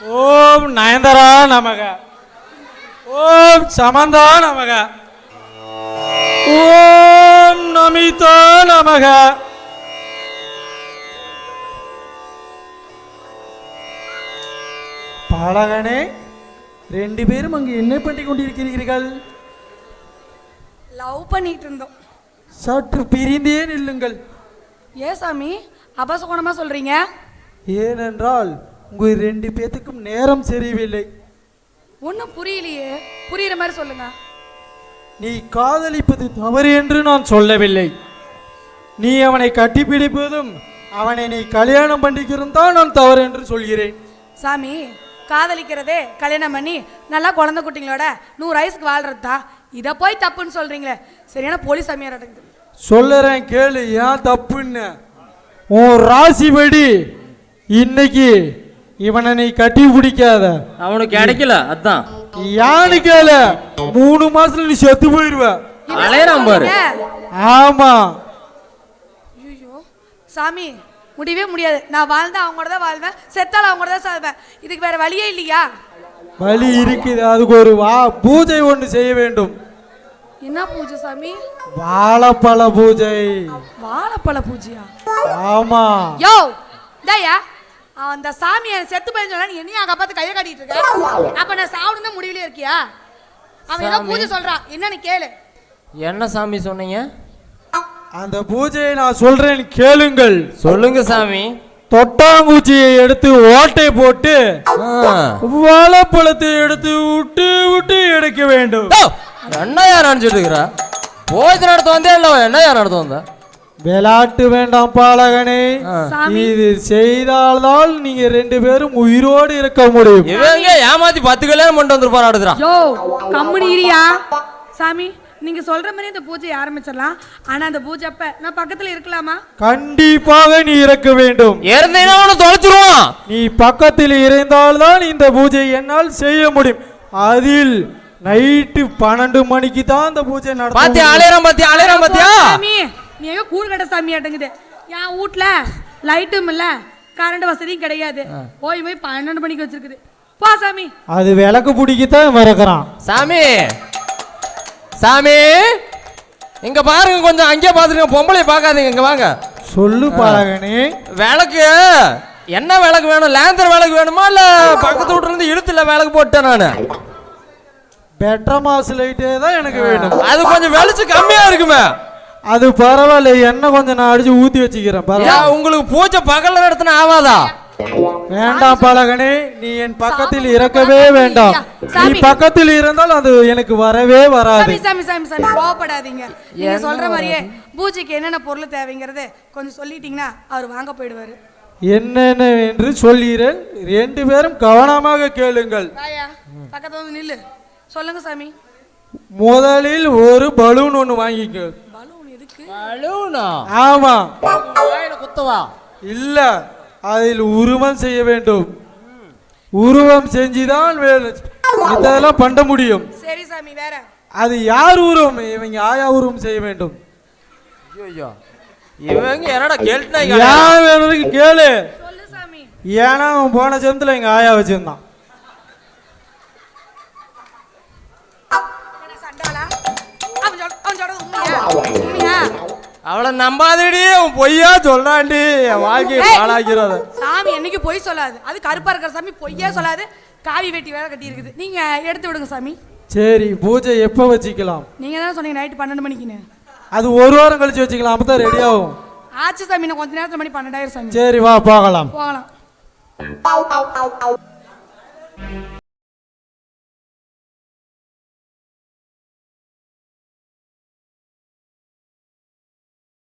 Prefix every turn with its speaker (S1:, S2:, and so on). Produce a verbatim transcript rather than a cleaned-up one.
S1: ஓம் நயன்தாரா நமக. ஓம் சமந்தா நமக. ஓம் நமிதா நமக. பாலகனே, ரெண்டு பேரும் அங்கு என்ன பண்ணி கொண்டிருக்கிறீர்கள்?
S2: லவ் பண்ணிட்டு இருந்தோம்.
S1: சற்று பிரிந்தே நில்லுங்கள்.
S2: ஏ சாமி அபசகுணமா சொல்றீங்க?
S1: ஏனென்றால் உங்கள் ரெண்டு பேத்துக்கும் நேரம் சரியில்லை.
S2: ஒன்றும் புரியலையே, புரியுற மாதிரி சொல்லுங்க.
S1: நீ காதலிப்பது தவறு என்று நான் சொல்லவில்லை. நீ அவனை கட்டிப்பிடிப்பதும் அவனை நீ கல்யாணம் பண்ணிக்கிறதும் தான் நான் தவறு என்று சொல்கிறேன்.
S2: சாமி, காதலிக்கிறதே கல்யாணம் பண்ணி நல்லா குழந்தை குட்டிங்களோட நூறு வயசுக்கு வாழ்றது தான். இதை போய் தப்புன்னு சொல்றீங்களே, சரியான போலீஸ் சாமியார் நடக்குது.
S1: சொல்லுறேன் கேளு, ஏன் தப்புன்னு. உன் ராசிபடி இன்னைக்கு இவனை நீ கட்டி பிடிக்காத,
S3: அவனுக்கு கிடைக்கல. அதான்
S1: யானு கேள, மூணு மாசத்துல நீ செத்து போயிருவ.
S3: அலையறான் பாரு.
S1: ஆமா.
S2: ஐயோ சாமி, முடியவே முடியாது. நான் வாழ்ந்தா அவங்களோட தான் வாழ்வேன், செத்தாலும் அவங்களோட தான் சாவேன். இதுக்கு வேற வழியே இல்லையா?
S1: வழி இருக்குது. அதுக்கு ஒரு வா பூஜை ஒன்று செய்ய வேண்டும்.
S2: என்ன பூஜை சாமி?
S1: வாழைப்பழ பூஜை.
S2: வாழைப்பழ பூஜையா?
S1: ஆமா.
S2: யோ டேயா, அந்த சாமி செத்து போய் சொன்னா நீ என்னையா காப்பாத்து கையை காட்டிட்டு இருக்க? அப்ப நான் சாவணும் தான் முடிவிலே இருக்கியா? அவன் ஏதோ பூஜை சொல்றான், என்னன்னு கேளு.
S3: என்ன சாமி சொன்னீங்க?
S1: அந்த பூஜையை நான் சொல்றேன் கேளுங்கள்.
S3: சொல்லுங்க சாமி.
S1: தொட்டாங்குச்சியை எடுத்து ஓட்டை போட்டு வாழைப்பழத்தை எடுத்து விட்டு விட்டு எடுக்க வேண்டும்.
S3: என்னையா நினைச்சிட்டு இருக்கிற? போய் நடத்த வந்தே இல்ல, என்னையா நடத்த வந்த?
S1: விளையாட்டு வேண்டாம் பாலகனே. இது செய்தால்தான் நீங்க ரெண்டு பேரும் உயிரோடு இருக்க முடியும்.
S3: இவங்க ஏமாத்தி பத்து கல்யாணம் பண்ணிட்டு வந்துருப்பான் அடுத்துறான்.
S2: யோ கம்முனு இரியா சாமி. நீங்க சொல்ற மாதிரி இந்த பூஜையை ஆரம்பிச்சிடலாம். ஆனா அந்த பூஜை அப்ப நான் பக்கத்துல இருக்கலாமா?
S1: கண்டிப்பாக நீ இருக்க வேண்டும்.
S3: இருந்தீங்கன்னா அவனை தொலைச்சிருவான்.
S1: நீ பக்கத்தில் இருந்தால்தான் இந்த பூஜை என்னால் செய்ய முடியும். அதில் நைட்டு பன்னெண்டு மணிக்கு தான் இந்த பூஜை நடக்கும்.
S3: பாத்தியா அலையறான், பாத்தியா அலையறான், பாத்தியா?
S2: சாமி நீ எங்க கூழ் கட்ட சாமி ஆட்டங்குது. என் வீட்ல லைட்டும் இல்ல, கரண்ட் வசதியும் கிடையாது. போய் போய் பன்னெண்டு மணிக்கு வச்சிருக்குது. போ சாமி. அது
S1: விளக்கு பிடிக்கத்தான் வரக்கிறான்.
S3: சாமி சாமி இங்க பாருங்க, கொஞ்சம் அங்கே பாத்துருங்க, பொம்பளை பார்க்காதீங்க, இங்க வாங்க.
S1: சொல்லு பாலகனே.
S3: விளக்கு என்ன விளக்கு வேணும்? லேந்தர் விளக்கு வேணுமா இல்ல பக்கத்து வீட்டுல இருந்து இழுத்துல விளக்கு போட்டேன் நானு?
S1: பெட்ரமாஸ் லைட்டே தான் எனக்கு வேணும்.
S3: அது கொஞ்சம் வெளிச்சம் கம்மியா இருக்குமே.
S1: அது பரவாயில்ல, என்ன கொஞ்சம் நான் அடிச்சு ஊத்தி வச்சுக்கிறேன்.
S3: உங்களுக்கு பூஜை பகல்ல நடத்தின ஆவாதா?
S1: வேண்டாம் பாலகனே, நீ என் பக்கத்தில் இருக்கவே வேண்டாம். நீ பக்கத்தில் இருந்தால் அது எனக்கு வரவே வராது.
S2: சாமி சாமி சாமி கோவப்படாதீங்க. நீங்க சொல்ற மாதிரியே பூஜைக்கு என்னென்ன பொருள் தேவைங்கிறது கொஞ்சம் சொல்லிட்டீங்கன்னா அவர் வாங்க போயிடுவாரு.
S1: என்னென்ன என்று சொல்கிறேன், ரெண்டு பேரும் கவனமாக கேளுங்கள்.
S2: பக்கத்துல வந்து நில்லு. சொல்லுங்க சாமி.
S1: முதலில் ஒரு பலூன் ஒன்று வாங்கிக்க.
S2: பலூன் எதுக்கு?
S3: பலூனா?
S1: ஆமா.
S3: குத்தவா?
S1: இல்ல, அதில் உருவம் செய்ய வேண்டும். உருவம் செஞ்சுதான் இதெல்லாம் பண்ண முடியும்.
S2: சரி சாமி. வேற? அது
S1: யார் உருவம்? இவங்க ஆயா உருவம் செய்ய வேண்டும்.
S3: ஐயோ இவங்க என்னடா கேள்வி?
S1: யார் வேணும்னு கேளு.
S2: சொல்லு சாமி.
S1: ஏன்னா அவன் போன ஜென்மத்துல எங்க ஆயா வச்சிருந்தான்.
S3: அவளை நம்பாதடி, அவன் பொய்யா சொல்றான்டி, என் வாழ்க்கையை பாழாக்கிறாத.
S2: சாமி என்னைக்கு பொய் சொல்லாது. அது கருப்பா இருக்கிற சாமி பொய்யா சொல்லாது. காவி வெட்டி வேலை கட்டி இருக்குது. நீங்க எடுத்து விடுங்க சாமி.
S1: சரி, பூஜை எப்ப வச்சுக்கலாம்?
S2: நீங்க தான் சொன்னீங்க நைட்டு பன்னெண்டு மணிக்குன்னு.
S1: அது ஒரு வாரம் கழிச்சு வச்சுக்கலாம், அப்பதான் ரெடி ஆகும்.
S2: ஆச்சு சாமி, நான் கொஞ்ச நேரத்துல மணி பன்னெண்டாயிரம் சாமி.
S1: சரி வா போகலாம்.
S2: போகலாம்.